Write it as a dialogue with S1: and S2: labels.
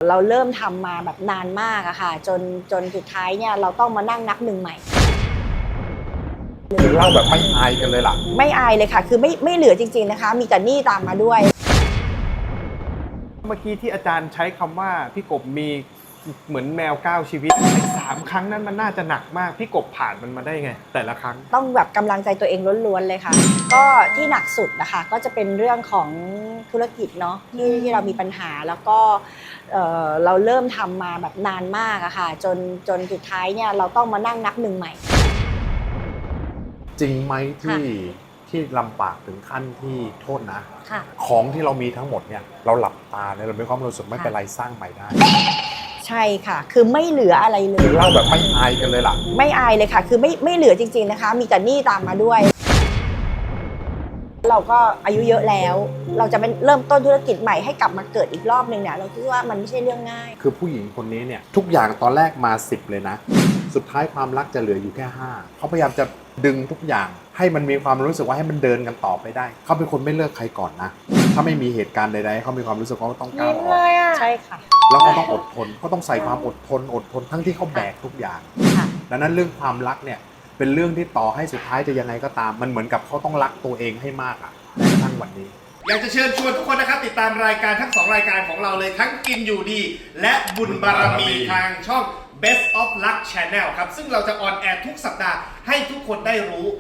S1: เราเริ่มทำมาแบบนานมากอะค่ะจนสุดท้ายเนี่ยเราต้องมานั่งนับหนึ่งใหม่
S2: เล่าแบบไม่อายกันเลยล่ะ
S1: ไม่อายเลยค่ะคือไม่เหลือจริงๆนะคะมีแต่หนี้ตามมาด้วย
S3: เมื่อกี้ที่อาจารย์ใช้คำว่าพี่กบมีเหมือนแมว9ชีวิตไอ้3ครั้งนั้นมันน่าจะหนักมากพี่กบผ่านมันมาได้ไงแต่ละครั้ง
S1: ต้องแบบกำลังใจตัวเองล้วนๆเลยค่ะก็ที่หนักสุดนะคะก็จะเป็นเรื่องของธุรกิจเนาะที่เรามีปัญหาแล้วก็เราเริ่มทำมาแบบนานมากอะค่ะจนสุดท้ายเนี่ยเราต้องมานั่งนับหนึ่งใหม่
S2: จริงไหมที่ลำบากถึงขั้นที่โทษนะ
S1: ค่ะ
S2: ของที่เรามีทั้งหมดเนี่ยเราหลับตาเนี่ยเราไม่ความรู้สึกไม่เป็นไรสร้างใหม่ได้
S1: ใช่ค่ะคือไม่เหลืออะไรเลย
S2: เล่าแบบไม่อายกันเลยล่ะ
S1: ไม่อายเลยค่ะคือไม่เหลือจริงๆนะคะมีแต่หนี้ตามมาด้วยเราก็อายุเยอะแล้วเราจะเป็นเริ่มต้นธุรกิจใหม่ให้กลับมาเกิดอีกรอบนึงเนี่ยเราคิดว่ามันไม่ใช่เรื่องง่าย
S2: คือผู้หญิงคนนี้เนี่ยทุกอย่างตอนแรกมา10เลยนะสุดท้ายความรักจะเหลืออยู่แค่5เขาพยายามจะดึงทุกอย่างให้มันมีความรู้สึกว่าให้มันเดินกันต่อไปได้เขาเป็นคนไม่เลิกใครก่อนนะถ้าไม่มีเหตุการณ์ใดๆเขามีความรู้สึกว่าเขาต้องก้าวออก
S1: ใช่ค่ะ
S2: แล้วเขาต้องอดทนเขาต้องใส่ความอดทนทั้งที่เขาแบกทุกอย่างดังนั้นเรื่องความรักเนี่ยเป็นเรื่องที่ต่อให้สุดท้ายจะยังไงก็ตามมันเหมือนกับเขาต้องรักตัวเองให้มากอะในกระทั่งวันนี้
S4: อยากจะเชิญชวนทุกคนนะครับติดตามรายการทั้ง2รายการของเราเลยทั้งกินอยู่ดีและบุญบารมีทางช่อง Best of Luck Channel ครับซึ่งเราจะออนแอร์ทุกสัปดาห์ให้ทุกคนได้รู้